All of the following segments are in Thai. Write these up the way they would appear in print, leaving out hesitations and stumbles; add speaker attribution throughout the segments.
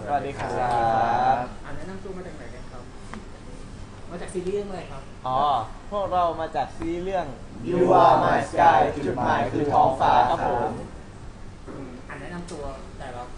Speaker 1: สวัสดีครับ
Speaker 2: แนะนำตัวมาจากไหนกันครับมาจากซีรีส์เรื่องอะไรครับ
Speaker 1: พวกเรามาจากซีรีส์เรื่อง
Speaker 3: You Are My Sky จุดหมายคือท้องฟ้าครับผม
Speaker 2: แนะนำตัวแต่ละ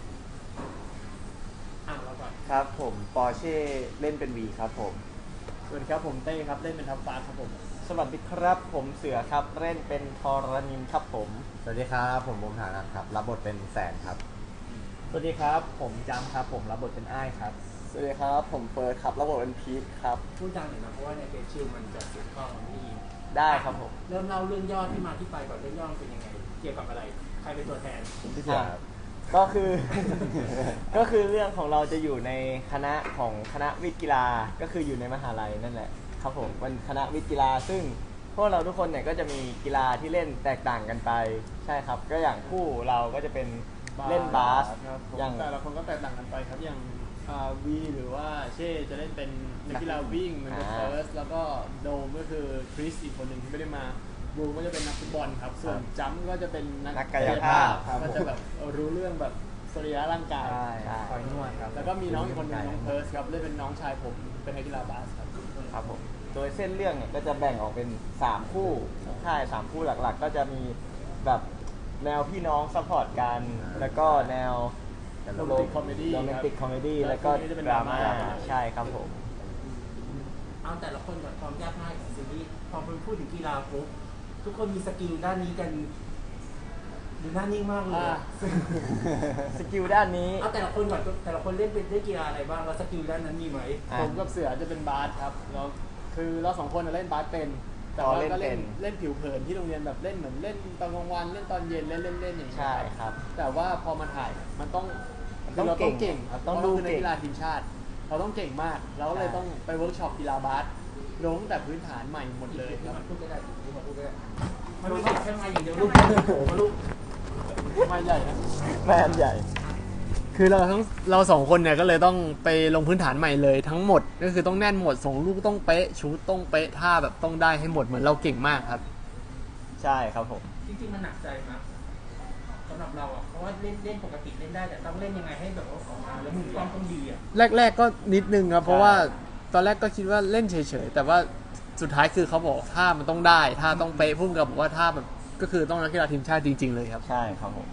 Speaker 2: เราก่อน
Speaker 1: ครับผมปอร์เช่เล่นเป็นวีครับผม
Speaker 3: สวัสดีครับผมเต้ครับเล่นเป็นทัพฟ้าครับผม
Speaker 1: สวัสดีครับผมเสือครับเล่นเป็นทรณินครับผม
Speaker 4: สวัสดีครับผมบุ๋มฐานะครับรับบทเป็นแสนครับ
Speaker 3: สวัสดีครับผมจำครับผมรับบทเป็นอ้ายครับ
Speaker 1: สวัสดีครับผมเฟิร์สครับรับบทเป็นพีทครับ
Speaker 2: พูดดังหน่อยนะเพราะว่าในเพจชิลมันจะเสียงกล้องไม่ยิน
Speaker 1: ได้ครับผม
Speaker 2: เริ่มเล่าเรื่องย่อที่มาที่ไปก่อนเรื่องย่อเป็นยังไงเกี่ยวกับอะไรใครเป็นตัวแทน
Speaker 1: พี่เสือก็คือ ก็คือเรื่องของเราจะอยู่ในคณะของคณะวิทย์กีฬาก็คืออยู่ในมหาลัยนั่นแหละครับผมเป็นคณะวิทย์กีฬาซึ่งพวกเราทุกคนเนี่ยก็จะมีกีฬาที่เล่นแตกต่างกันไปใช่ครับก็อย่างคู่เราก็จะเป็นเล่นบาส
Speaker 3: อย่างแต่ละคนก็แตกต่างกันไปครับอย่างวีหรือว่าเช่จะเล่นเป็นนักกีฬาวิ่งเหมือนกับเฟิร์สแล้วก็โดมก็คือคริสอีกคนหนึ่งที่ไม่ได้มาบูก็จะเป็นนักฟุตบอลครับส่วนจัมก็จะเป็นนัก
Speaker 1: กายภาพ
Speaker 3: ก็จะแบบรู้เรื่องแบบสรีระร่างกาย
Speaker 1: คอยนวดครับ
Speaker 3: แล้วก็มีน้องอีกคนหนึ่งน้องเพิร์สครับเล่นเป็นน้องชายผมเป็นนักกีฬาบาส
Speaker 1: ครับผมโดยเส้นเรื่องเนี่ยก็จะแบ่งออกเป็น3คู่ใช่3คู่หลักๆก็จะมีแบบแนวพี่น้องซัพพอร์ตกันแล้วก็แนว
Speaker 3: โรแมนติกคอมเม
Speaker 1: ดี้แล้วก็ดราม่าใช่ครับผม
Speaker 2: เอาแต่ละคนกับความยากง่ายของซีรีส์พอพูดถึงกีฬาปุ๊บทุกคนมีสกิลด้านนี้กันดูหน้านิ่งมากเลย
Speaker 1: สกิลด้านนี้
Speaker 2: เอาแต่ละคนก่อนแต่ละคนเล่นเป็นกีฬาอะไรบ้างแล้วสกิลด้านนั้นมีไหม
Speaker 3: ผมกับเสือจะเป็นบาสครับแล้วคือเรา2คนเล่นบาสเป็นแต่ว่าก็เล่นผิวเผินที่โรงเรียนแบบเล่นเหมือนเล่นตอนกลางวันเล่นตอนเย็นเล่นอย่างนี้
Speaker 1: ใช่ครับ
Speaker 3: แต่ว่าพอมาถ่ายมันต้องเราต้องเก่งครับต้องดูในกีฬาทีมชาติเราต้องเก่งมากเราเลยต้องไปเวิร์กช็อปกีฬาบาสลงแต่พื้นฐานใหม่หมดเลยครับ
Speaker 2: พูดได้มันไม่ใช่แค่ไม้อย่างเดียวลูกลูก
Speaker 3: ไม้ใหญ่นะ
Speaker 1: แม่ใหญ่
Speaker 3: คือเรา2คนเนี่ยก็เลยต้องไปลงพื้นฐานใหม่เลยทั้งหมดก็คือต้องแน่นหมดส่งลูกต้องเป๊ะชูตต้องเป๊ะท่าแบบต้องได้ให้หมดเหมือนเราเก่งมากครับ
Speaker 1: ใช่ครับผม
Speaker 2: จริงๆมันหนักใจนะสำหรับเราอ่ะเพราะว่าเล่นปกติเล่นได้แต่ต้องเล่นยังไงให้แบบว่าออกมาแล้วมุมกล้องต้องดีอ่ะ
Speaker 3: แรกๆก็นิดนึงครับเพราะว่าตอนแรกก็คิดว่าเล่นเฉยๆแต่ว่าสุดท้ายคือเขาบอกท่ามันต้องได้ท่าต้องเป๊ะพุ่งกับบอกว่าท่าแบบก็คือต้องนักกีฬาทีมชาติจริงๆเลยครับ
Speaker 1: ใช่ครับผม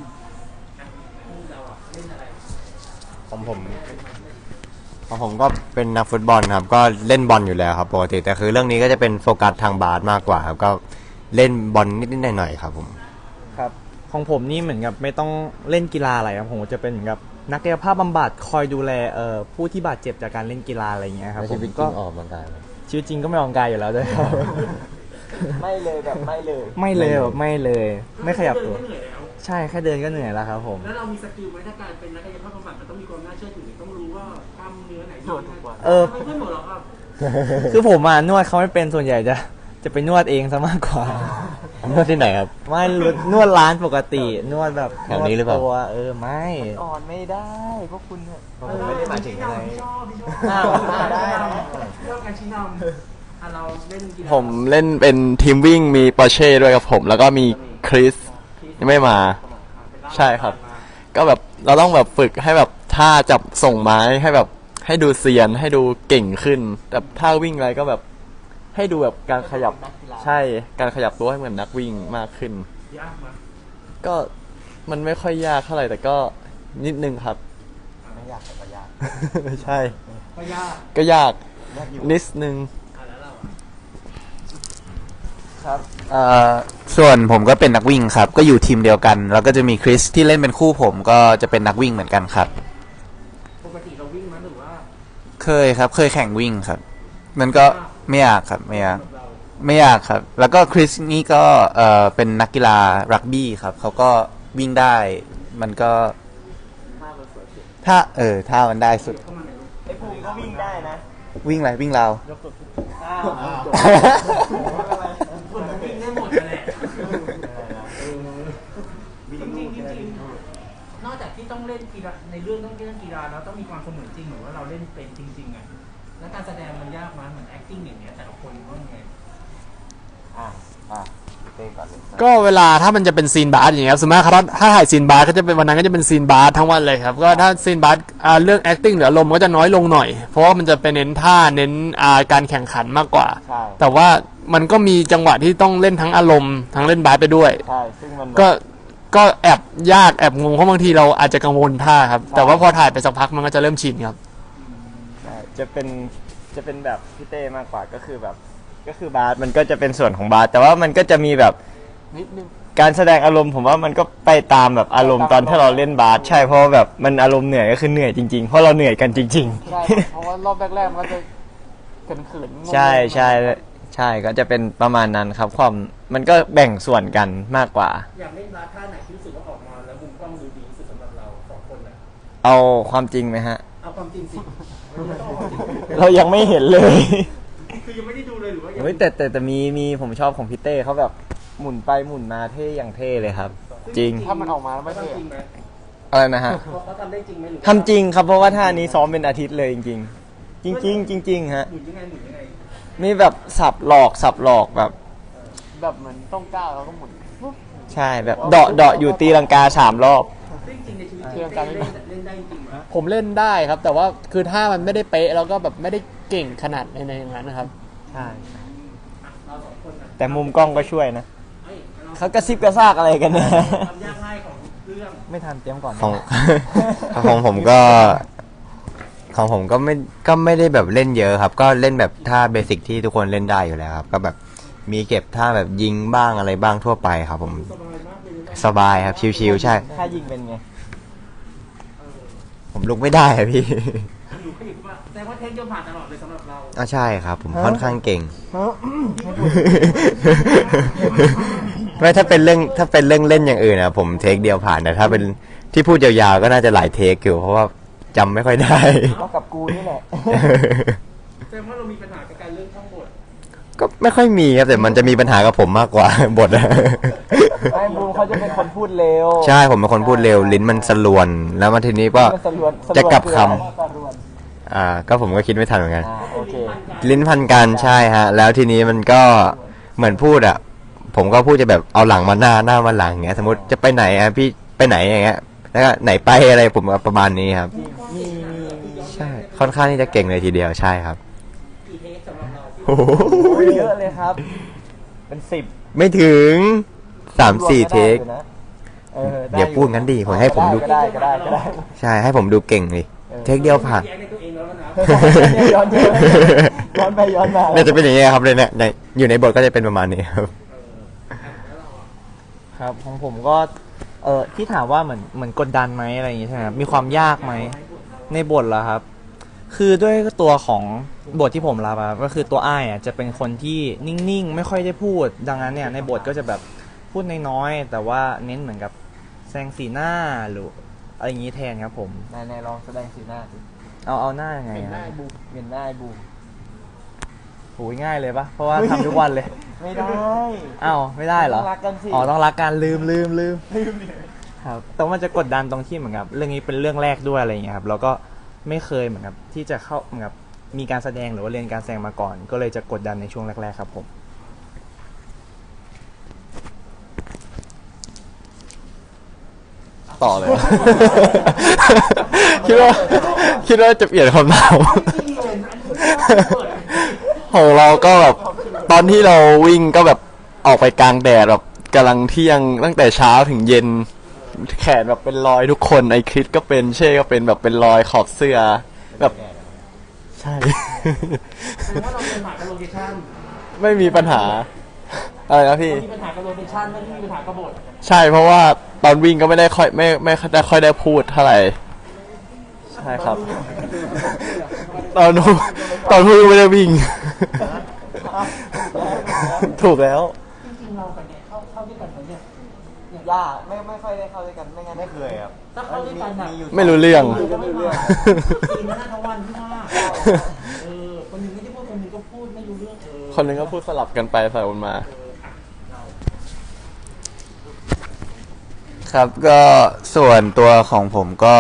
Speaker 4: ของผมก็เป็นนักฟุตบอลครับก็เล่นบอลอยู่แล้วครับปกติแต่คือเรื่องนี้ก็จะเป็นโฟกัสทางบาสมากกว่าครับก็เล่นบอลนิดๆหน่อยๆครับผม
Speaker 5: ครับของผมนี่เหมือนกับไม่ต้องเล่นกีฬาอะไรครับผมจะเป็นเหมือนกับนักกายภาพบำบัดคอยดูแลผู้ที่บาดเจ็บจากการเล่นกีฬาอะไรอย่างเงี้ยครับ
Speaker 4: ผมก็ออกกำลังกาย
Speaker 5: ชีวิตจริงก็ไม่ออกกำลังกายอยู่แล้วด้วยครับ
Speaker 1: ไม่เลยแบบไม่เลย
Speaker 5: ไม่ขยับตัวใช่แค่เดินก็เหนื่อยแล้วครับผม
Speaker 2: แล้วเรามีสกิลไหมถ้าการเป็นนักกายภาพบำบัดมันต้องมีความน่าเชื่อถือต้องรู้ว่ากล้ามเนื้อไหนนวดทุกวันไม่หมดหรอกครับ
Speaker 5: คือผมนวดเขาไม่เป็นส่วนใหญ่จะไปนวดเองซะมากกว่าน
Speaker 4: วดที่ไหนครับ
Speaker 5: ไม่นวดร้านปกตินวดแบบ
Speaker 4: แถวนี้หรือเปล่า
Speaker 5: ไม่
Speaker 1: อ่อนไม่ได้พวกคุณ
Speaker 4: ผมไม่ได้หมายถึงอะไร
Speaker 1: ได้
Speaker 2: เรื่องการชี้นำเราเล่น
Speaker 6: ผมเล่นเป็นทีมวิ่งมีปอร์เช่ด้วยกับผมแล้วก็มีคริสยังไม่มาใช่ครับก็แบบเราต้องแบบฝึกให้แบบท่าจับส่งไม้ให้แบบให้ดูเซียนให้ดูเก่งขึ้นแบบท่าวิ่งอะไรก็แบบให้ดูแบบการขยับใช่การขยับตัวให้เหมือนนักวิ่งมากขึ้น
Speaker 2: ยากมั้ย
Speaker 6: ก็มันไม่ค่อยยากเท่าไหร่แต่ก็นิดนึงครับ
Speaker 1: ไม่ยากแต่ก็ยาก
Speaker 6: ใช่
Speaker 2: ก็
Speaker 6: ยากนิดนึง
Speaker 1: ครับ
Speaker 6: ส่วนผมก็เป็นนักวิ่งครับก็อยู่ทีมเดียวกันแล้วก็จะมีคริสที่เล่นเป็นคู่ผมก็จะเป็นนักวิ่งเหมือนกันครับ
Speaker 2: ปกติเราวิ่งมั้ยหรือว่า
Speaker 6: เคยครับเคยแข่งวิ่งครับมันก็ไม่ยากครับไม่ยากครับแล้วก็คริสนี่ก็เป็นนักกีฬารักบี้ครับเขาก็วิ่งได้มันก็ถ้ามันได้สุด
Speaker 1: ไอ้ภูมิก็วิ่งได้นะ
Speaker 6: วิ่งอะไรวิ่งเรา
Speaker 2: คนวิ่งได้หมดแหละจริงนอกจากที่ต้องเล่นกีฬาในเรื่องต้องเล่นกีฬาแล้วต้องมีความเสมือนจริงหรือว่าเราเล่นเป็นจริงๆไงแล้วการแสดงมันยากมั้ยเหมือน acting อย่างเงี้ยแต่ละคนต้องไง
Speaker 1: เต้ก่อนเลย
Speaker 3: ก็เวลาถ้ามันจะเป็นซีนบาสอย่างเงี้ยครับสมมติถ้าถ่ายซีนบาสก็จะเป็นวันนั้นก็จะเป็นซีนบาสทั้งวันเลยครับก็ถ้าซีนบาสเรื่อง acting หรืออารมณ์ก็จะน้อยลงหน่อยเพราะว่ามันจะไปเน้นท่าเน้นการแข่งขันมากกว่า
Speaker 1: ใช่
Speaker 3: แต่ว่ามันก็มีจังหวะที่ต้องเล่นทั้งอารมณ์ทั้งเล่นบาสไปด้วย
Speaker 1: ใช่ซึ่งมัน
Speaker 3: ก็แอบยากแอบงงเพราะบางทีเราอาจจะกังวลท่าครับแต่ว่าพอถ่ายไปสักพักมันก็จะเริ่มชินครับ
Speaker 1: ใช่จะเป็นแบบพี่เต้มากกว่าก็คือแบบก็คือบาสมันก็จะเป็นส่วนของบาสแต่ว่ามันก็จะมีแบบ
Speaker 3: นิดนึง
Speaker 1: การแสดงอารมณ์ผมว่ามันก็ไปตามแบบอารมณ์ตอนที่เราเล่นบาสใช่เพราะว่าแบบมันอารมณ์เหนื่อยก็คือเหนื่อยจริงๆเพราะเราเหนื่อยกันจริง
Speaker 3: ใช่เพราะว่ารอบแรกๆมันก็จะเขินๆงงๆ
Speaker 1: ๆ ใช่ใช่ใช่ก็จะเป็นประมาณนั้นครับความมันก็แบ่งส่วนกันมากกว่า
Speaker 2: อยากเล่นบาสท่าไหนที่รู้สึกว่าออกมาแล้วมุมกล้องดูดีที่สุดสำหรับเราสองคนน่ะ
Speaker 1: เอาความจริงไหมฮะ
Speaker 2: เอาความจริงสิไม่ต้องเอาความจริง
Speaker 1: เรายังไม่เห็นเลย
Speaker 2: คือยังไม่ได้ดูเลยหรือว่ายัง
Speaker 1: เฮ้ยแต่มีผมชอบของพี่เต้เขาแบบหมุนไปหมุนมาเท่อย่างเท่เลยครับ จริง
Speaker 3: ถ้ามันออกมาแล้วไม่
Speaker 2: ทำ
Speaker 3: เท่
Speaker 2: จริงไหม
Speaker 1: อะไรนะฮะ
Speaker 2: เขาทำได้จริงไหมหรือว่า
Speaker 1: ทำจริงครับเพราะว่าท่านี้ซ้อมเป็นอาทิตย์เลยจริงๆ จริงๆจริงๆฮะ
Speaker 2: หมุนยังไงหมุนยังไง
Speaker 1: มีแบบสับหลอกแบบ
Speaker 3: แบบเหมือนต้องก้าวแล้วก็หมุนปุ๊บ
Speaker 1: ใช่แบบเดาะอยู่ตีลังกา3 รอบ
Speaker 2: ซึ่งจริงในชีวิตจ
Speaker 3: เรื่
Speaker 2: ริ
Speaker 3: อง งการ
Speaker 2: เล่นได้จริงไหม
Speaker 3: ผมเล่นได้ครับ แต่ว่าคือถ้ามันไม่ได้เป๊ะแล้วก็แบบไม่ได้เก่งขนาดในอย่างนั้นนะครับ
Speaker 1: ใช่
Speaker 2: เราสองคนน่ะ
Speaker 1: แต่มุมกล้องก็ช่วยนะ
Speaker 2: เอ้ยเรา
Speaker 1: เขากระซิบกระซากอะไรกันเนี่ย
Speaker 2: ความยากง่ายของเรื่อง
Speaker 1: ไม่ทันเตรียมก่อน
Speaker 4: ของ ของผมก็ไม่ได้แบบเล่นเยอะครับ ก็เล่นแบบท่าเบสิกที่ทุกคนเล่นได้อยู่แล้วครับ ก็แบบมีเก็บท่าแบบยิงบ้างอะไรบ้างทั่วไปครับ ผม
Speaker 2: สบายมากเลยนะ
Speaker 4: สบายครับชิวๆใช่
Speaker 1: ถ้ายิงเป็นไง
Speaker 4: ผมลุกไม่ได้อะพี่
Speaker 2: หนูก็อยู่ว่าแต่ว่าเทคโยมผ่านตลอดเลยสำหรับเรา
Speaker 4: ใช่ครับ ผมค่อนข้างเก่ง ไม่ถ้าเป็นเรื่องเล่นอย่างอื่นนะผมเทคเดียวผ่านแต่ถ้าเป็นที่พูดยาวๆก็น่าจะหลายเทคอยู่เพราะว่าจำไม่ค่อยได้
Speaker 1: ก็กับกูนี่แหละ
Speaker 2: แสดงว่าเรามีปัญหากับการเรื่องท่องบท
Speaker 4: ก็ไม่ค่อยมีครับแต่มันจะมีปัญหากับผมมากกว่า บทอะ
Speaker 1: ไอ้บูมเขาจะเป็นคนพูดเร็ว
Speaker 4: ใช่ผมเป็นคนพูดเร็วลิ้นมันสลวน แล้วมาทีนี้ก็
Speaker 1: มันสลวน
Speaker 4: จะกลับคำ
Speaker 1: สลวน
Speaker 4: ก็ผมก็คิดไม่ทันเหมือนกัน
Speaker 1: โอเค
Speaker 4: ลิ้นพันกันใช่ฮะ แล้วทีนี้มันก็เหมือนพูดอ่ะ ผมก็พูดจะแบบเอาหลังมาหน้ามาหลังอย่างเงี้ย สมมติจะไปไหนอ่ะพี่ไปไหนอย่างเงี้ยแล้วก็ไหนไปอะไรผมก็ประมาณนี้ครับ
Speaker 1: มี
Speaker 4: ใช่ค่อนข้างที่จะเก่งเลยทีเดียวใช่ครับ
Speaker 2: กี่เทคสำหรับเราที่
Speaker 4: โอ้โห
Speaker 1: เยอะเลยครับ เป็น10
Speaker 4: ไม่ถึง3-4 เทค
Speaker 1: ได้
Speaker 4: เดี๋ยวพูดงั้นดีผมให้ผมดู
Speaker 1: ก็ได้ก็ได้
Speaker 4: ใช่ให้ผมดูเก่งเลยเทคเดียวผ่าน
Speaker 2: แย้งในตัวเองแล้วนะ
Speaker 1: ย้อนไปย้อนมา
Speaker 4: น่าจะเป็นอย่างเงี้ยครับเลยเนี่ยอยู่ในบทก็จะเป็นประมาณนี้ครับ
Speaker 5: ครับของผมก็ที่ถามว่าเหมือนกดดันไหมอะไรอย่างงี้ใช่ไหมครับมีความยากไหมในบทเหรอครับ คือด้วยตัวของบทที่ผมรับอะก็คือตัวอ้ายอะจะเป็นคนที่นิ่งๆไม่ค่อยได้พูด ดังนั้นเนี่ยในบทก็จะแบบพูดน้อยๆแต่ว่าเน้นเหมือนกับแสดงสีหน้าหรืออะไรอย่างงี้แทนครับผม
Speaker 1: นายลองแสดงสีหน้าสิ
Speaker 5: เอาหน้ายังไง
Speaker 3: เป็น
Speaker 5: ฮะ
Speaker 3: ได้บูม
Speaker 1: เวียนหน้าไอ้บูม
Speaker 5: โหยง่ายเลยปะเพราะว่าทำทุกวันเลย
Speaker 1: ไม่ได้
Speaker 5: อ้าวไม่ได้เหรอ
Speaker 1: ต้องรักกันสิ
Speaker 5: อ๋อต้องรักกันลืมครับแต่ว่ามันจะกดดันตรงที่เหมือนกับเรื่องนี้เป็นเรื่องแรกด้วยอะไรอย่างเงี้ยครับแล้วก็ไม่เคยเหมือนกับที่จะเข้าเหมือนกับมีการแสดงหรือว่าเรียนการแสดงมาก่อน ก็เลยจะกดดันในช่วงแรกๆครับผม
Speaker 6: ต่อเลย คิดว่าจะเปลี่ยนคำถาม ของเราก็แบบตอนที่เราวิ่งก็แบบออกไปกลางแดดแบบกำลังเที่ยงตั้งแต่เช้าถึงเย็น แขนแบบเป็นรอยทุกคนไอคริสก็เป็นเช่ก็เป็นแบบเป็นรอยขอบเสื้อแบบใช่
Speaker 2: แสดงว่าเราเป็นปัญหากับโลเคชั่น
Speaker 6: ไม่มีปัญหาอะไรนะพี่
Speaker 2: มีปัญหากับโลเคชั่นไม่ได้มีปัญหากับบท
Speaker 6: ใช่เพราะว่าตอนวิ่งก็ไม่ได้ค่อยไม่ได้ค่อยได้พูดเท่าไหร่ใช่ครับ ตอนพูดไม่ได้วิ่ง ถูกแล้ว
Speaker 2: จริงๆเรากับเนี่ยเข้าด้วยกันไหมเนี่ย
Speaker 1: ย่าไม่ค่อยได้เข้าด้วยกันไม่งั้นไม่เคยครับ
Speaker 2: ถ้าเข้าด้วยกันน่ะ
Speaker 6: ไม่รู้เรื่อง
Speaker 2: ไม่รู้เรื่องกินหน้าทั้งวันที่ว่าคนหนึ่งไม่ได้พูดคนหนึ่งก็พูดไม่รู้เรื่อง
Speaker 6: คนหนึงก็พูดสลับกันไปสลับกันมา
Speaker 7: ครับก็ส่วนตัวของผมก็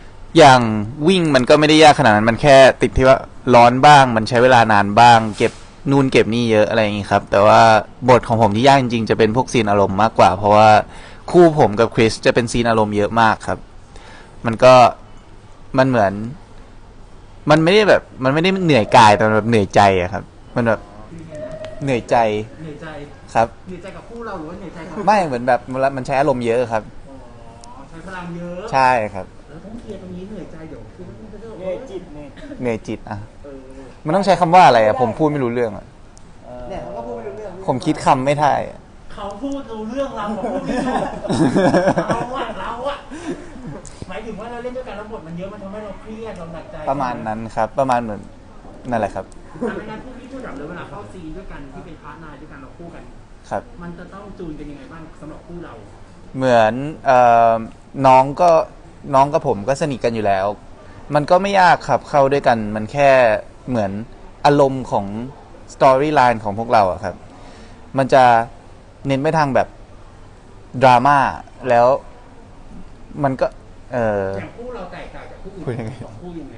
Speaker 7: อย่างวิ่งมันก็ไม่ได้ยากขนาดนั้นมันแค่ติดที่ว่าร้อนบ้างมันใช้เวลานานบ้าง เก็บนูนเก็บนี่เยอะอะไรอย่างงี้ครับ แต่ว่าบทของผมที่ยากจริงๆจะเป็นพวกซีนอารมณ์มากกว่า เพราะว่าคู่ผมกับคริสจะเป็นซีนอารมณ์เยอะมากครับ มันก็มันเหมือน มันไม่ได้แบบ มันไม่ได้เหนื่อยกายแต่มันแบบเหนื่อยใจอะครับ มันแบบเหนื่อยใจ
Speaker 2: เหนื่อยใจ
Speaker 7: ครับ
Speaker 2: เหนื่อยใจกับคู่เราหรือว่าเหนื่อยใจกับ
Speaker 7: ไม่เหมือนแบบมันใช้อารมณ์เยอะครับ
Speaker 2: อ๋อใช้พลังเยอะ
Speaker 7: ใช่ครับ
Speaker 2: แล้วต้องเคลียร์ตรงนี้เหนื่อยใจเดี๋ยวคือมันจะ
Speaker 1: เหนื่อยจิตเนี่ย
Speaker 7: เหนื่อยจิตอะ
Speaker 2: เออ
Speaker 7: มันต้องใช้คำว่าอะไรอะผมพูดไม่รู้เรื่องอะ
Speaker 1: เนี่ยเขาก็พูดไม่รู้เรื่อง
Speaker 7: ผมคิดคำไม่ได้อะ
Speaker 2: เขาพูดรู้เรื่องเราบอกพูดไม่รู้เราอะหมายถึงว่าเราเล่นด้วยกันแล้วบทมันเยอะมันทำให้เราเครียดเราหนักใจ
Speaker 7: ประมาณนั้นครับ ประมาณเหมือนนั่นแหละครับ
Speaker 2: แต่ในงานพูดดับเลยเวลาเข้าซีนด้วยกันที่เป็นพาร์ทนายด้วยกันเราคู่กัน
Speaker 7: ครับ
Speaker 2: มันจะต้องจูนกันยังไงบ้างสำหรับคู่เรา
Speaker 7: เหมือนน้องกับผมก็สนิทกันอยู่แล้ว มันก็ไม่ยากครับเข้าด้วยกัน มันแค่เหมือนอารมณ์ของสตอรี่ไลน์ของพวกเราอะครับ มันจะเน้นไปทางแบบดราม่าแล้วมันก็
Speaker 2: อย่างคู่เราแตกต่างจากคู่อื่น
Speaker 7: พูดยังไง
Speaker 2: สองคู่ยังไง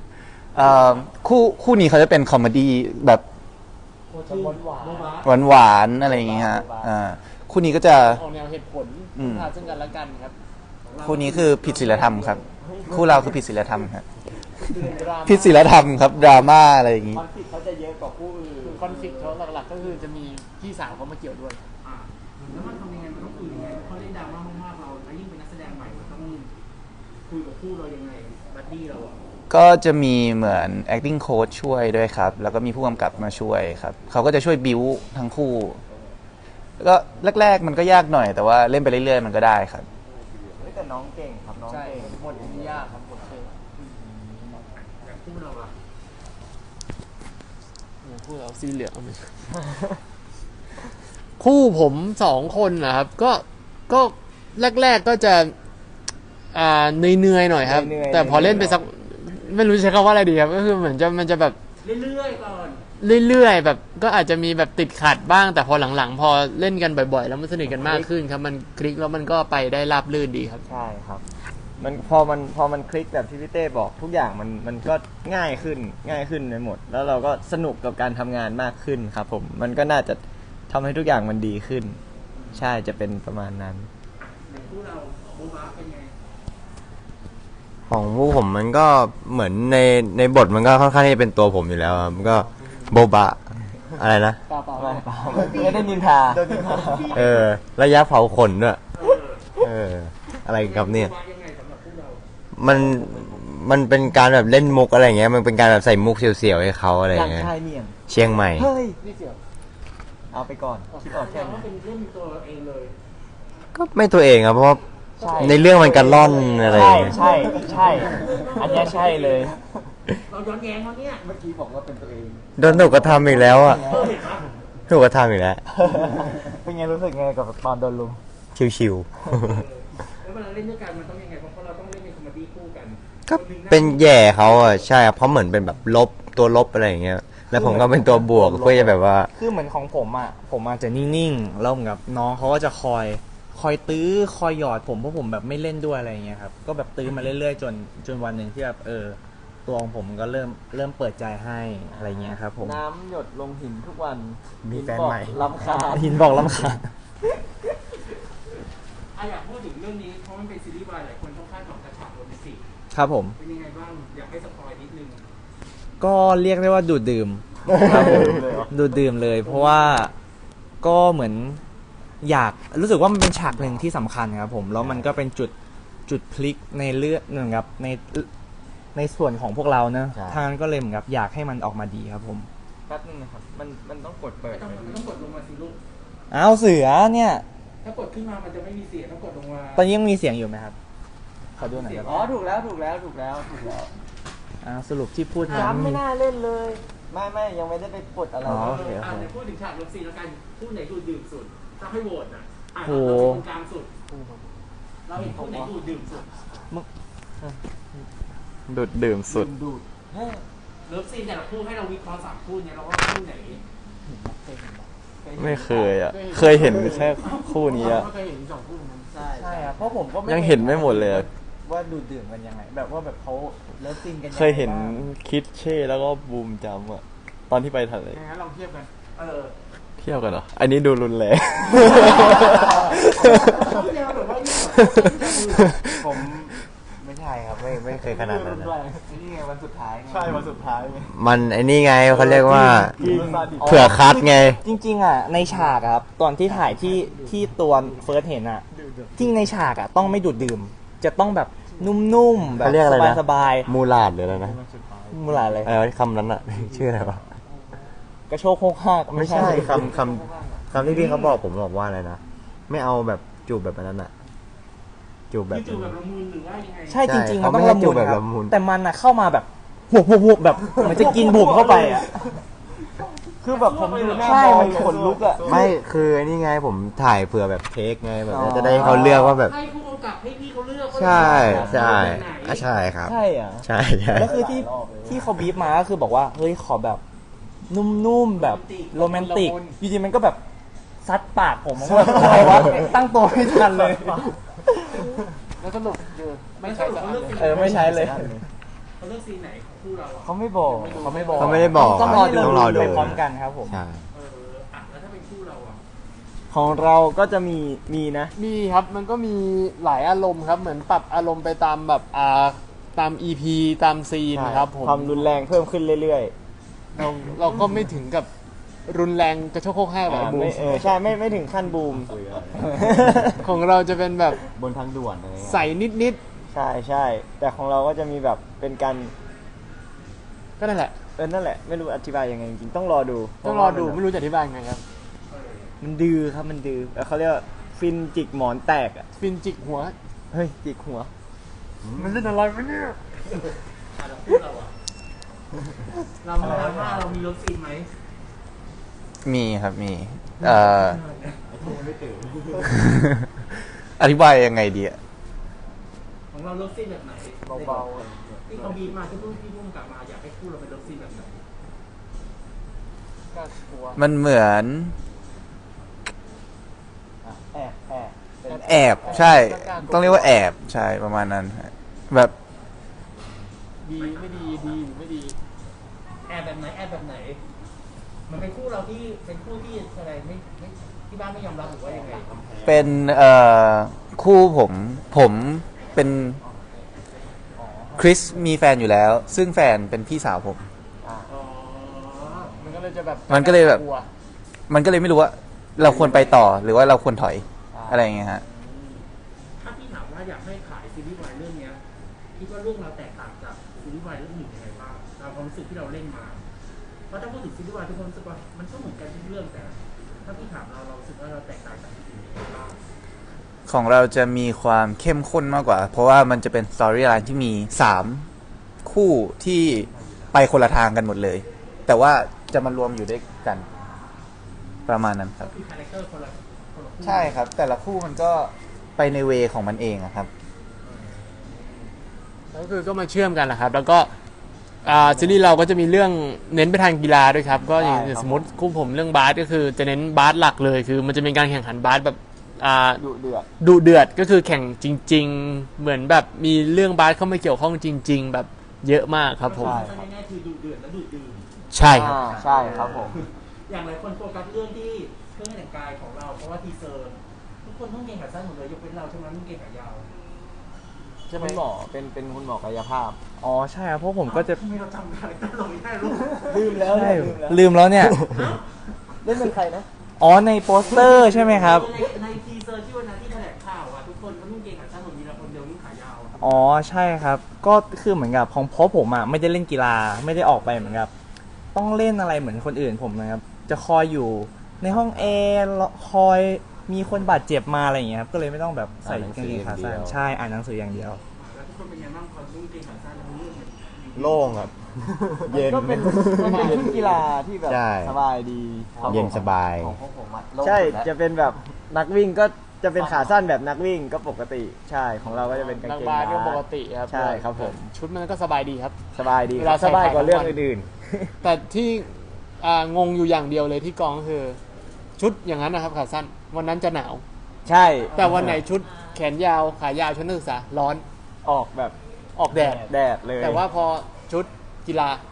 Speaker 7: คู่นี้เขาจะเป็นคอมเมดี้แบบ
Speaker 2: โคตรชื่อหวาน
Speaker 7: หวานๆอะไรอย่างเงี้ยฮะคู่นี้ก็จะ
Speaker 3: ออกแนวเหตุผล
Speaker 7: อืม
Speaker 3: พาซึ่งกันและกันครับ
Speaker 7: คู่นี้คือผิดศีลธรรมครับ คู่เราคือผิดศีลธรรมครับ
Speaker 3: ดราม่า
Speaker 7: ผิดศีลธรรมครับดราม่าอะไรอย่างงี้
Speaker 1: คอนฟ lict เขาจะเยอะกว่าคู่อื่น
Speaker 3: คอนฟ lict เขาหลักๆก็คือจะมีพี่สาวเขามาเกี่ยวด้วย
Speaker 2: อ่ะแล้วมันทำยังไงมันต้องคุยยังไงเขาเล่นดราม่ามากๆเราแล้วยิ่งเป็นนักแสดงใหม่มันต้องคุยกับคู่เรายังไงบัดดี้เราอ่ะ
Speaker 7: ก็จะมีเหมือน acting coach ช่วยด้วยครับ แล้วก็มีผู้กำกับมาช่วยครับ เขาก็จะช่วยบิวทั้งคู่ แล้วก็แรกๆมันก็ยากหน่อย แต่ว่าเล่นไปเรื่อยๆมันก็ได้ครับ
Speaker 1: เฮ้ยแต่น้องเก่งครับน้อง
Speaker 3: ใช่
Speaker 1: เก่ง
Speaker 3: บทนี้ยากครับบทเก่ง
Speaker 2: อย่างคู่เราอ่ะ
Speaker 3: คู่เราสีเหลืองเอาไม่ใช่ คู่ผม2 คนนะครับ ก็แรกๆก็จะเหนื่อยๆหน่อยครับ แต่พอเล่นไปสักไม่รู้จะใช้คำว่าอะไรดีครับ ก็คือเหมือนมันจะแบบ
Speaker 2: เรื่อยๆก่อน
Speaker 3: เรื่อยๆแบบก็อาจจะมีแบบติดขัดบ้าง แต่พอหลังๆ พอเล่นกันบ่อยๆ แล้วมันสนิทกันมากขึ้นครับ มันคลิกแล้วมันก็ไปได้ราบรื่นดีครับ
Speaker 1: ใช่ครับ มันพอมันคลิกแบบที่พี่เต้บอกทุกอย่างมันก็ง่ายขึ้นไปหมด แล้วเราก็สนุกกับการทำงานมากขึ้นครับผมมันก็น่าจะทำให้ทุกอย่างมันดีขึ้น ใช่จะเป็นประมาณนั้น
Speaker 2: อย่างคู่เราโบ๊ะบ้าเป็นไง
Speaker 4: ของพวกผมมันก็เหมือนในบทมันก็ค่อนข้างที่จะเป็นตัวผมอยู่แล้วครับมันก็โบบะอะไรนะ
Speaker 3: เปล่า
Speaker 1: ไม่ได้นินทา
Speaker 4: ระยะเผาขนด้วย
Speaker 2: เออ
Speaker 4: อะไรกับเนี่ย
Speaker 2: โบ๊ะบ้ายังไงสำหรับคู่เรา
Speaker 4: มันเป็นการแบบเล่นมุกอะไรอย่างเงี้ยมันเป็นการแบบใส่มุกเสียวๆให้เขาอะไรอย่างเงี้ย
Speaker 1: ชายเนียง
Speaker 4: เชียงใหม่
Speaker 1: เฮ้ย
Speaker 3: นี่เสียว
Speaker 1: เอาไปก่อนคิดออกแค่
Speaker 2: ว่า
Speaker 1: นี้
Speaker 2: เป็นเล่นตัวเองเลย
Speaker 4: ก็ไม่ตัวเองครับเพราะว่า
Speaker 1: ใช่
Speaker 4: ในเรื่องมันกันล่อนอะไรอย่างเงี้ย
Speaker 1: ใช่ อันเนี้ยใช่เลย
Speaker 2: เราย้อนแย้งเขาเนี่ย
Speaker 1: เมื่อกี้บอกว่าเป็นตัวเอง
Speaker 4: โดนถูกกระทำอีกแล้วอ่ะ
Speaker 2: เห็นปะ
Speaker 4: ถูกกระทำอีกแล้ว
Speaker 1: เป็นไงรู้สึกไงกับตอนโดนลุม
Speaker 4: ชิว
Speaker 2: แล้วเวลาเล่นด้วยกันมันต้องยังไงเพราะเราต้องเล่นเป็นคอมเมดี้คู่กัน
Speaker 4: ๆก็เป็นแย่เขาอ่ะใช่ครับเพราะเหมือนเป็นแบบลบตัวลบอะไรอย่างเงี้ยแล้วผมก็เป็นตัวบวกเพื่อจะแบบว่า
Speaker 5: คือเหมือนของผมอาจจะนิ่งๆแล้วเหมือนกับน้องเขาก็จะคอยตื้อคอยหยอดผมเพราะผมแบบไม่เล่นด้วยอะไรอย่างเงี้ยครับก็แบบตื้อมาเรื่อยๆจนวันหนึ่งที่แบบตัวของผมก็เริ่มเปิดใจให้อะไรเงี้ยครับผม
Speaker 1: น้ำหยดลงหินทุกวัน
Speaker 4: มีแฟนใหม่
Speaker 1: ลำคาญ
Speaker 5: หินบอกลำคาญ
Speaker 2: อยากพูดถึงเรื่องนี้เพราะมันเป็นซีรีส์วายหลายคนต้องคาดหวังกระฉากโรแมนติก
Speaker 5: ครับผม
Speaker 2: เป็นยังไงบ้างอยากให้สปอยนิดนึง
Speaker 5: ก็เรียกได้ว่าดูดดื่มครับผมดูดดื่มเลย เพราะว่าก็เหมือนอยากรู้สึกว่ามันเป็นฉากหนึ่งที่สำคัญครับผมแล้วมันก็เป็นจุดพลิกในเรื่องเหมือนกับในส่วนของพวกเราเนอะ
Speaker 1: ใช่
Speaker 5: ทางนั้นก็เลยเหมือนกับอยากให้มันออกมาดีครับผม
Speaker 1: แป๊บนึงนะครับ มันต้องกดเปิด
Speaker 2: มันต้องกดลงมาสิลูก
Speaker 5: อ้าวเสือเนี่ย
Speaker 2: ถ้ากดขึ้นมามันจะไม่มีเสียงต้องกดลงมา
Speaker 5: ตอนนี้ยังมีเสียงอยู่ไหมครับขอดูหน่อยครับ
Speaker 1: อ๋อถูกแล้ว
Speaker 5: สรุปที่พูด
Speaker 1: ย้ำไม่น่าเล่นเลย ไม่ยังไม่ได้ไปกดอะไร
Speaker 5: อ๋อ
Speaker 1: เลย
Speaker 2: เดี๋ยวพูดถึงฉากเลิฟซีนแล้วกันคู่ไหนดูดื่มสุดถ้าให้โหวตอ่ะเรา
Speaker 5: โห
Speaker 2: เป็นคนกลางสุดเราเห็นคู่ไหนดูดื่มสุด
Speaker 6: ดูดดื่มสุด
Speaker 1: ดูดเฮ้ย
Speaker 2: เลิฟซีนแต่ละคู่ให้เราวิเคราะห์3คู่เนี่ยเราว่าคู่ไหน
Speaker 6: ไม่เคยอ่ะ เคยเห็นแค่คู่นี้อ่ะ
Speaker 2: ไม่เคยเห็น2คู่นั้น
Speaker 1: ใช่ครับเพราะผมก็
Speaker 6: ยังเห็นไม่หมดเลยอะ
Speaker 1: ว่าดูดดื่มกันยังไง แบบว่าแบบเขาเลิฟซินกันงไง
Speaker 6: เคยเห็นคิดเช่แล้วก็บูมจำอ่ะตอนที่ไปทะเล
Speaker 3: งั้นลองเทียบกัน
Speaker 2: เออ
Speaker 6: เที่ยวกันเหรอ อันนี้ดูรุนแรง
Speaker 2: ต้องแนวแบบว่ายิ่ง
Speaker 4: ผมไม่ใช่ครับไม่เคยขนาดนั้นนะ
Speaker 1: นี่ไงวันสุดท้าย
Speaker 3: ใช่วันสุดท้ายไง
Speaker 4: มันไอ้นี่ไงเขาเรียกว่า
Speaker 3: กิน
Speaker 4: เผื่อคัดไง
Speaker 5: จริงๆอ่ะในฉากอะครับตอนที่ถ่ายที่ตัวเฟิร์สเห็นอ่ะจริงในฉากอ่ะต้องไม่ดูดดื่ม จะต้องแบบนุ่มๆแบบ
Speaker 4: เขาเรียกอะไรนะ
Speaker 5: สบาย
Speaker 4: มูลาดหรืออะไรนะ
Speaker 5: ๆมูลาอะไร
Speaker 4: อะไรวะคำนั้นอะ ชื่ออะไรวะ
Speaker 5: กระโชกโคกฮาก
Speaker 4: ไม่ใช่คำที่พี่เขาบอกผมบอกว่าอะไรนะ ไม่เอาแบบจูบแบบนั้นอะจูบแบบ
Speaker 2: จู่ๆแบบละมุนหรือว่ายังไง
Speaker 5: ใช่จริงๆ
Speaker 4: เขา
Speaker 5: มัน
Speaker 4: ไม่
Speaker 5: ต้อง
Speaker 4: ให้
Speaker 5: ละ
Speaker 4: จู
Speaker 5: มุ
Speaker 4: บ
Speaker 5: น
Speaker 4: แบบ
Speaker 5: ครับ
Speaker 4: ละมุน
Speaker 5: แต่มันอ่ะเข้ามาแบบหุบแบบเหมือนจะกินบุ๋มเข้าไปอ่ะ
Speaker 1: คือแบบผมดูหน้า
Speaker 5: ใช่
Speaker 1: บอ
Speaker 5: มั
Speaker 1: ย
Speaker 5: น
Speaker 1: ขนลุกอ่ะ
Speaker 4: ไม่คือไอ้นี่ไงผมถ่ายเผื่อแบบเทคไงแบบจะได้ให้เขาเลือกว่าแบบ
Speaker 2: ให้ผู้กำกับให้พี่เขาเลือกว่า
Speaker 4: ใช่ใช่
Speaker 2: แบบไหน
Speaker 4: อ่ะใช่ครับ
Speaker 5: ใช่อ่ะ
Speaker 4: ใช่ใช่
Speaker 5: แล้วคือที่เขาบีบมาก็คือบอกว่าเฮ้ยขอแบบนุ่มๆแบบโรแมนติกอยู่ดีมันก็แบบซัดปากผมมันก็แบบอะไรวะตั้งตัวไม่ทันเลย
Speaker 3: แล้วสรุปคือ
Speaker 2: ไม่ใช่เขาเลือกซีน
Speaker 5: ไม่ใช้เลย
Speaker 2: เขาเลือกซีนไหนของคู่เราอ่ะ
Speaker 5: เขาไม่บอกเขาไม่บอก
Speaker 4: เขาไม่ได้บอก
Speaker 5: ต้องรอดู
Speaker 4: ต้องรอดู
Speaker 5: ไปพร้อมกันครับผม
Speaker 4: ใช่
Speaker 2: อ่ะแล้วถ้าเป็นคู่เราอ่ะ
Speaker 1: ของเราก็จะมีนะ
Speaker 3: มีครับมันก็มีหลายอารมณ์ครับ เหมือนปรับอารมณ์ไปตามแบบตาม EP ตามซีนครับผม
Speaker 1: ความรุนแรงเพิ่มขึ้นเรื่อย
Speaker 3: เราก็ไม่ถึงกับรุนแรงกระโชกโคกแห้ง
Speaker 1: ๆ
Speaker 3: แบบบูม
Speaker 1: ใช่ไม่ถึงขั้นบูม
Speaker 3: ของเราจะเป็นแบบ
Speaker 4: บนทางด่วนอะไรเงี้ย
Speaker 3: ใสนิด
Speaker 1: ใช่แต่ของเราก็จะมีแบบเป็นการ
Speaker 3: ๆก็นั่นแหละ
Speaker 1: นั่นแหละไม่รู้อธิบายยังไงจริงๆต้องรอดู
Speaker 3: ต้องรอดูไม่รู้จะอธิบายยังไงครับ
Speaker 1: มันดื้อครับมันดื้อเขาเรียกว่าฟินจิกหมอนแตกอ่ะ
Speaker 3: ฟินจิกหัว
Speaker 1: เฮ้ยจิกหัว
Speaker 3: มันเล่นอะไรวะเนี่ย
Speaker 2: อ่ะแล้วคู่เราอ่ะเรามาถามว่าเรามีรถซีนไหม
Speaker 7: มีครับมีอธิบายยังไงดีอะ
Speaker 2: ของเรารถซีนแบบไหนเบาๆที่เขาบีบมาที่พี่พุ่งกลับมาอยากให้คู่เราเป็นรถซีนแบบไหน
Speaker 7: มันเหมือน แอบใช่ ต้องเรียกว่าแอบใช่ประมาณนั้นฮะแบบ
Speaker 3: ดีไม่ดีดีหรือไม่ดี
Speaker 2: แอบแบบไหนแอบแบบไหน มันเป็นคู่เราที่เป็นคู่ที่อะไรไม่ที่บ้านไม่ยอมรับหรือว่ายังไง
Speaker 7: เป็นคู่ผมเป็นคริสมีแฟนอยู่แล้ว ซึ่งแฟนเป็นพี่สาวผม
Speaker 2: อ๋อ
Speaker 3: มันก็เลยจะแบบ
Speaker 7: มันก็เลยแบบ
Speaker 3: กลัว
Speaker 7: มันก็เลยไม่รู้ว่าเราควรไปต่อหรือว่าเราควรถอยอะไรอย่างเงี้ยฮะ
Speaker 2: ถ้าพี่ถามว่าอยากให้ขายซีรีส์วายเรื่องเนี้ยคิดว่าเรื่องเราแตกต่างจากซีรีส์วายเรื่องอื่นยังไงบ้างตามความรู้สึกที่เราเล่นมาเพราะถ้าพูดถึงซีรีส์วายทุกคนรู้สึกว่ามันก็เหมือนกันทุกเรื่องแต่ ถ้าพี่ถามเรารู้สึกว่าเราแตกต่างจากอื่นยังไงบ้าง
Speaker 7: ของเราจะมีความเข้มข้นมากกว่า เพราะว่ามันจะเป็นสตอรี่ไลน์ที่มี3คู่ที่ไปคนละทางกันหมดเลย แต่ว่าจะมารวมอยู่ด้วยกัน ประมาณนั้นครับ
Speaker 2: คือคาแรคเตอร์คนละคู่
Speaker 7: ใช่ครับ แต่ละคู่มันก็ไปในเวของมันเองอะครับ
Speaker 3: แล้วคือก็มาเชื่อมกันแหละครับ แล้วก็ซีรีส์เราก็จะมีเรื่องเน้นไปทางกีฬาด้วยครับ ก็อย่าง
Speaker 1: ใช่ครับ
Speaker 3: สมมติคู่ผมเรื่องบาสก็คือจะเน้นบาสหลักเลย คือมันจะเป็นการแข่งขันบาสแบบ
Speaker 1: ดุเดือด
Speaker 3: ดุเดือดก็คือแข่งจริง ๆ เหมือนแบบมีเรื่องบาสเข้ามาเกี่ยวข้องจริง ๆ แบบเยอะมากครับผม
Speaker 1: ใช่
Speaker 2: ง่ายๆคือดูเดือดและดูดื่ม
Speaker 3: ใช่ครับ
Speaker 1: ใช่ครับผม
Speaker 2: อย่างหลายคนโฟกัสเรื่องที่เครื่องแต่งกายของเราเพราะว่าทีเซอร์ทุกคนต้องเกงขาสั้นหมดเลยยกเว้นเราใช่ไหมต้องเกงขายาว
Speaker 1: จะเป็นหมอเป็นคุณหมอกายภาพ
Speaker 5: อ๋อใช่ครับเพราะผมก็จะ
Speaker 2: ทำไมเราจำคาแรคเตอร์เราไม่ได้ลูก
Speaker 1: ลืมแล้ว
Speaker 5: ใช่
Speaker 1: ลืมแล้ว
Speaker 5: ลืมแล้วเนี่ย
Speaker 1: เล่นเป็นใครนะ
Speaker 5: อ๋อในโปสเตอร์ใช่ไหมครับ
Speaker 2: ในทีเซอร์ที่วันนั้นที่แถลงข่าวอะทุกคนก็ต้องเกงขาสั้นหมดมีเราคนเดียวนุ่งขายาวอะ
Speaker 5: อ๋อใช่ครับ ก็คือเหมือนกับของเพราะผมอ่ะไม่ได้เล่นกีฬาไม่ได้ออกไปเหมือนกับต้องเล่นอะไรเหมือนคนอื่นผมนะครับ จะคอยอยู่ในห้องแอร์คอยมีคนบาดเจ็บมาอะไรอย่างเงี้ยครับก็เลยไม่ต้องแบบใส่กางเกงขาสั้นใช่อ่านหนังสืออย่างเดียว
Speaker 2: แล้วทุกคนเป็นไงบ้างพอนุ่งเกงขาสั้นแล้วเรื่องมัน
Speaker 4: โล่งครับ เย็น
Speaker 1: ก็เป็นชุดกีฬาที่แบบ
Speaker 4: ใช่
Speaker 1: สบายดีครับ
Speaker 4: เย็น
Speaker 1: ผม
Speaker 4: สบาย
Speaker 1: ใช่จะเป็นแบบนักวิ่งก็จะเป็นขาสั้นแบบนักวิ่งก็ปกติ ใช่ของเราก็จะเป็นกาง
Speaker 3: นัก
Speaker 1: เกง
Speaker 3: บาสก็
Speaker 1: บาส
Speaker 3: ปกติครับ
Speaker 1: ใช่ครับผม
Speaker 3: ชุดมันก็สบายดีครับ
Speaker 1: สบายดี
Speaker 3: เวลาใส่
Speaker 1: สบายกว่า
Speaker 3: ถ่าย
Speaker 1: เรื่อง
Speaker 3: ทั้งวัน
Speaker 1: อื่น
Speaker 3: แต่ที่งงอยู่อย่างเดียวเลยที่กองก็คือ ชุดอย่างนั้นนะครับขาสั้นวันนั้นจะหนาว
Speaker 1: ๆ ใช่
Speaker 3: แต่วันไหนชุดแขนยาวขายาวชุดนักศึกษาร้อน
Speaker 1: ออกแบบ
Speaker 3: ออกแดด
Speaker 1: แดดเลย
Speaker 3: แต่ว่าพอชุดกีฬา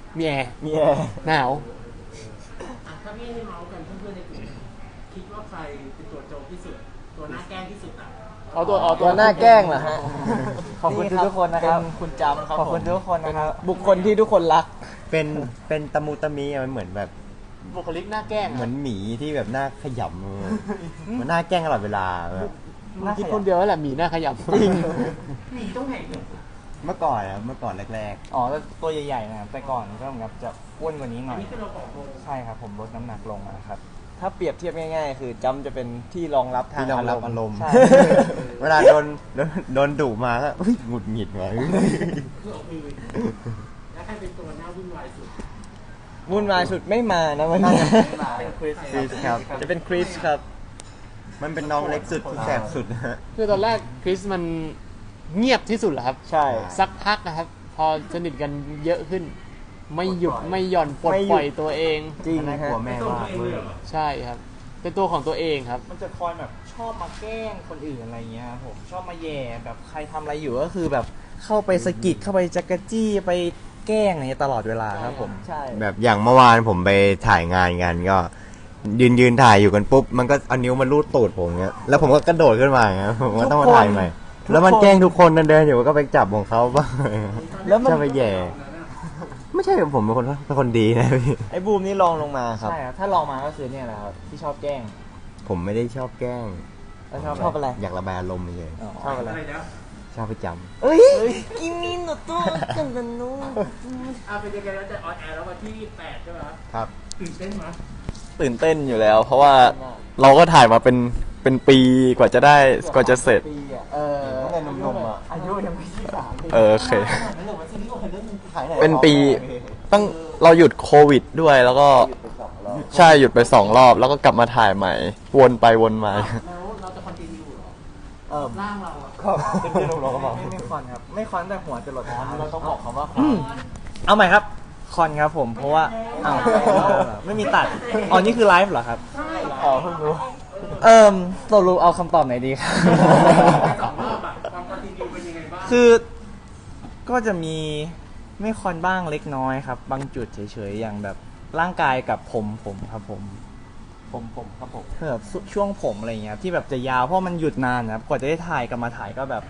Speaker 3: มีแอร์
Speaker 1: มีแอร์
Speaker 3: หนาว
Speaker 2: อ่ะถ้าพี่ให้เมาส์กันเพื่อนๆในกลุ่มคิดว่าใครเป็นตัวโจงที่สุด ตัวหน้าแกล้งที่สุดอ่ะ
Speaker 3: เอาตัว
Speaker 1: ตัวหน้าแกล้งเหรอฮะ
Speaker 5: ขอบคุณทุกคนนะครับ
Speaker 1: เป็นคุณจำครับ
Speaker 5: ขอบคุณทุกคนนะครับ
Speaker 1: บุคคลที่ทุกคนรัก
Speaker 4: เป็นตะมูตะมีอะมันเหมือนแบบ
Speaker 3: บุคลิกหน้าแกล้ง
Speaker 4: เหมือนหมีที่แบบหน้าขยำมันหน้าแกล้งตลอดเวลาแบบ
Speaker 3: มึงคิดคนเดียวนั่นแหละหมีหน้าขยำ
Speaker 2: หนีตรงไหนเนี่ย
Speaker 4: เมื่อก่อนอะเมื่อก่อนแรก
Speaker 5: อ๋อแล้วตัวใหญ่ๆนะครับแต่ก่อนก็เหมือนกับจะอ้วนกว่านี้หน่
Speaker 2: อั
Speaker 5: อน ย
Speaker 2: นี้คือเราบอกโม
Speaker 5: ใช่ครับผมลดน้ำหนักลงนะครับ
Speaker 1: ถ้าเปรียบเทียบง่ายๆ คือจำจะเป็นที่รองรับ
Speaker 4: ๆ
Speaker 1: ทาง
Speaker 4: ที่รองรับอารมณ์
Speaker 1: ใช่
Speaker 4: เวลาโดนดุมาก็อุ๊ยหงุดหงิดว่ะ
Speaker 2: คือเอาคืนแล้วใครเป็นตัวหน้าวุ่นวายสุด
Speaker 1: วุ่นวายสุดไม่มานะวันนี้
Speaker 2: เป็นคริส
Speaker 4: คริสครับ
Speaker 1: จะเป็นคริสครับ
Speaker 4: มันเป็นน้องเล็กสุดที่แสบสุดนะฮะ
Speaker 3: คือตอนแรกคริสมันเงียบที่สุดเหรอครับ
Speaker 1: ใช่
Speaker 3: สักพักนะครับ พอสนิทกันเยอะขึ้น ไม่หยุดไม่หย่อนปลด
Speaker 1: ไม่หยุด
Speaker 3: ปล่อยตัวเอง
Speaker 1: จริง
Speaker 4: น่า
Speaker 1: ฮะ
Speaker 4: กลัวแม่
Speaker 2: ตัว
Speaker 4: ว่า
Speaker 2: เองเลยเหรอ
Speaker 3: ใช่ครับ เป็นตัวของตัวเองครับ
Speaker 5: มันจะคอยแบบชอบมาแกล้งคนอื่นอะไรเงี้ยครับผมชอบมาแย่แบบใครทำอะไรอยู่ก็คือแบบเข้าไปสะกิดเข้าไปจักรจี้ไปแกล้งอะไรเงี้ยตลอดเวลาครับผม
Speaker 1: ใช่
Speaker 4: แบบอย่างเมื่อวานผมไปถ่ายงานกันก็ ยืนถ่ายอยู่กันปุ๊บมันก็เอานิ้วมาลูดตูดผมเงี้ยแล้วผมก็กระโดดขึ้นมาเงี้ยผมก็ต้องมาถ่ายใหม่แล้วมันแกล้งทุกคนเดินอยู่ก็ไปจับของเขาบ้าง
Speaker 1: แล้วมัน
Speaker 4: จะไปแย่ ไม่ใช่ผมเป็นคนดีนะพี่
Speaker 1: ไอ้บูมนี่ลองลงมาครับ
Speaker 5: ใช่ครับถ้าลองมาก็คือเนี่ยแหละครับที่ชอบแกล้ง
Speaker 4: ผมไม่ได้ชอบแกล้ง
Speaker 5: แล้วชอบอะไร
Speaker 4: อยากระบายอารมณ์เฉย
Speaker 5: ชอบอะไร
Speaker 2: อะไรนะ
Speaker 4: ๆชอบไปจ
Speaker 1: เอ้ยกินมินโนโต้กันตันนู
Speaker 2: เป็นยังไงแล้วจะออนแอร์แล้ววันที่ 8 ใช่ไหมครับ
Speaker 4: ครับ
Speaker 2: ตื่นเต้นไหม
Speaker 6: ตื่นเต้นอยู่แล้ว เพราะว่าเราก็ถ่ายมาเป็นปีกว่าจะได้กว่าจะเสร็จ
Speaker 1: ปีอ่ะ
Speaker 4: ตั้งแต่หนุ่มๆอ่ะ
Speaker 1: อายุยังไม่ที่3
Speaker 6: โอเค
Speaker 2: นั่นหรือว่าซีรีส์ว่าเรื่องนึง
Speaker 1: ถ่ายไหน
Speaker 6: เป็นปีตั้งเราหยุดโควิดด้วยแล้วก็ใช่หยุดไป2 รอบ แล้วก็กลับมาถ่ายใหม่ วนไปวนมา
Speaker 2: แล้วเราจะคอนติเนียเหรอร่างเราอ่ะ
Speaker 1: ก็เป็นที่เราก็บอก
Speaker 5: ไม่คอนครับ ไม่คอนแต่หัวจะหลด
Speaker 1: เราต้องบอกคำว่าคอน
Speaker 5: เอาใหม่ครับคอนครับผมเพราะว่าอ้าวไม่มีตัดอ๋อนี่คือไลฟ์เหรอครับ
Speaker 1: อ๋อเพิ่งรู้
Speaker 5: ตกลงเอาคำตอบไหนดีครับ
Speaker 2: 2 รอบอ่ะความคอนติเนียเป็นยังไงบ้าง
Speaker 5: คือก็จะมีไม่คอนบ้างเล็กน้อยครับ บางจุดเฉยๆอย่างแบบร่างกายกับผมครับผมครับผมคือแบบช่วงผมอะไรเงี้ยที่แบบจะยาวเพราะมันหยุดนานนะครับกว่าจะได้ถ่ายกลับมาถ่ายก็แบบ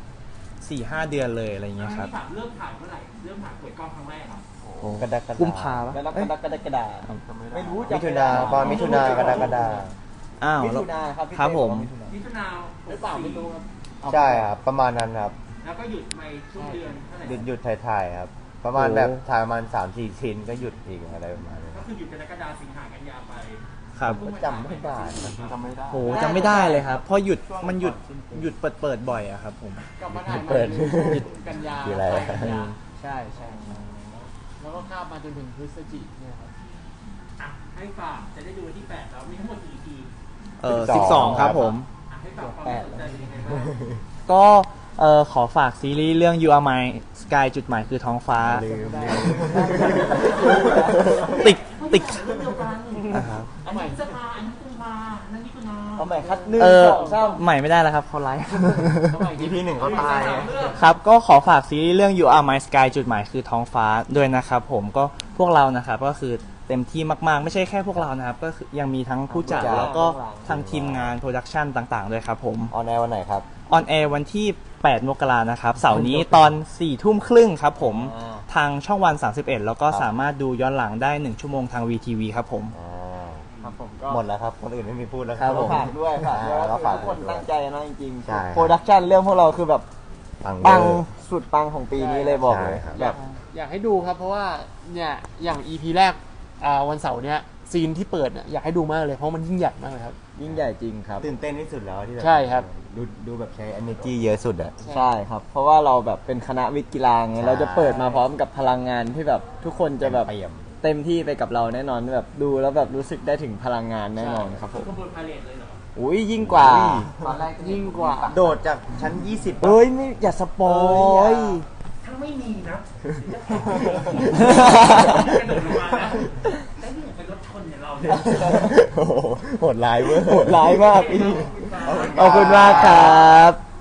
Speaker 5: 4-5 เดือนเลยอะไรเงี้ยครับ
Speaker 2: ถามเริ่มถ่ายเมื่อไหร่เริ่มถ่ายเปิดกล้องครั้งแรกครับ
Speaker 4: กระดากระดา
Speaker 5: กุมภาปะ
Speaker 1: แล้วนับกระดาไม่รู้
Speaker 4: มิถุนาตอนมิถุนากระดากระดา
Speaker 5: อ้าว
Speaker 1: มิ
Speaker 5: แล้ว
Speaker 1: ถุนาครับพี่
Speaker 5: ครับ
Speaker 1: เต้
Speaker 5: ผม
Speaker 1: อกว่ามิถุนา
Speaker 2: มิถุนาหรือเปล่าไม่รู้ครับ
Speaker 4: ใช่ครับประมาณนั้นครับ
Speaker 2: แล้วก็หยุดไปช่วงเดือนเท่าไหร่
Speaker 4: หยุดถ่ายๆครับ ประมาณแบบถ่ายประมาณ3-4 ชิ้นก็หยุดอีกอะไรประมาณนี้
Speaker 2: ก็คือหยุดกรกฎาคมสิงหากันยาไป
Speaker 5: ครับ
Speaker 4: ก็จำไม่ได้นะ
Speaker 5: โหจำไม่ได้เลยครับเพราะหยุดเปิดบ่อยอะครับผม
Speaker 3: กลับมาถ่าย
Speaker 4: เปิด
Speaker 3: กันยา
Speaker 4: คืออะไร
Speaker 3: กันยา
Speaker 5: ใช่ใช่
Speaker 3: แล้วก็ข้ามมาจนถึงพฤศจิกเนี่ยครับ
Speaker 2: อ่ะให้ฝากจะได้ดูวันที่ 8 แล้วมีทั้งหมดกี่ EP
Speaker 5: 12 ครับผม
Speaker 2: อ่ะให้ฝากความสนใจเป็นยังไงบ้าง
Speaker 5: ก็ขอฝากซีรีส์เรื่อง You Are My Sky จุดหมายคือท้องฟ้า
Speaker 4: ลืม
Speaker 5: ติด
Speaker 2: เรื่องเดียวกัน
Speaker 5: ครับ
Speaker 2: อันนี้พฤษภาอันนี้กุมภาอันนั้นมิถุนา
Speaker 1: เอาใหม่คัดหนึ่ง
Speaker 5: เออ
Speaker 1: สองสาม
Speaker 5: ใหม่ไม่ได้แล้วครับเขาไลฟ์
Speaker 4: EP 1เขาตาย
Speaker 5: ครับก็ขอฝากซีรีส์เรื่อง You Are My Sky จุดหมายคือท้องฟ้าด้วยนะครับผมก็พวกเรานะครับก็คือเต็มที่มากๆ ไม่ใช่แค่พวกเรานะครับ ก็คือยังมีทั้งผู้จัดแล้วก็ทางทีมงานโปรดักชันต่างๆ ด้วยครับผม
Speaker 4: ออนแอร์วันไหนครับ
Speaker 5: ออนแอร์วันที่ 8 มกรานะครับเสาร์นี้ตอน 4 ทุ่มครึ่งครับผมทางช่องวัน 31 แล้วก็สามารถดูย้อนหลังได้ 1 ชั่วโมงทาง VTV ครับผม
Speaker 1: ครับผมก็
Speaker 4: หมดแล้วครับ คนอื่นไม่มีพูดแล้ว
Speaker 5: ครับผม
Speaker 1: ฝากด้วยฝากด้วย
Speaker 4: ก็ฝาก
Speaker 1: ทุกคนตั้งใจนะจริง
Speaker 4: ใช่
Speaker 1: ๆโปรดักชันเรื่องพวกเราคือแบบ
Speaker 4: ปัง
Speaker 1: ปัง
Speaker 4: เวอร์
Speaker 1: สุดปังของปีนี้เลยบอกเลย
Speaker 4: ใช่ครับ
Speaker 1: แบบ
Speaker 3: อยากให้ดูครับ เพราะว่าเนี่ยอย่าง EP แรกวันเสาร์เนี้ยซีนที่เปิดเนี่ยอยากให้ดูมากเลยเพราะมันยิ่งใหญ่มากเลยครับ
Speaker 1: ยิ่งใหญ่จริงครับ
Speaker 4: ตื่นเต้นที่สุดแล้วที่แบบ
Speaker 3: ใช่ครับ
Speaker 4: ดูแบบใช้ energy เยอะสุดอะ
Speaker 1: ใช่ครับ เพราะว่าเราแบบเป็นคณะวิทย์กีฬาไง
Speaker 4: ใช่
Speaker 1: เราจะเปิดมาพร้อมกับพลังงานที่แบบทุกคนจะแบบ
Speaker 4: เปี่ยม
Speaker 1: เต็มที่ไปกับเราแน่นอนแบบดูแล้วแบบรู้สึกได้ถึงพลังงานแน่นอนครับผม
Speaker 2: ขบวนพาเลทเลยเหรอ
Speaker 1: อุ้ยยิ่งกว่า
Speaker 2: ตอนแรก
Speaker 3: ยิ่งกว่า
Speaker 4: โดดจากชั้น 20
Speaker 1: เอ้ยไม่อย่าสปอย
Speaker 2: ถ้าไม่มีนะกระโดดลงมานะแต่นี่เป็นรถชนเนี่ยเราเนี่ย
Speaker 4: โอ้โหโหดร้ายเว้ย
Speaker 1: โหดร้ายมากพี่ขอบคุณมากครับ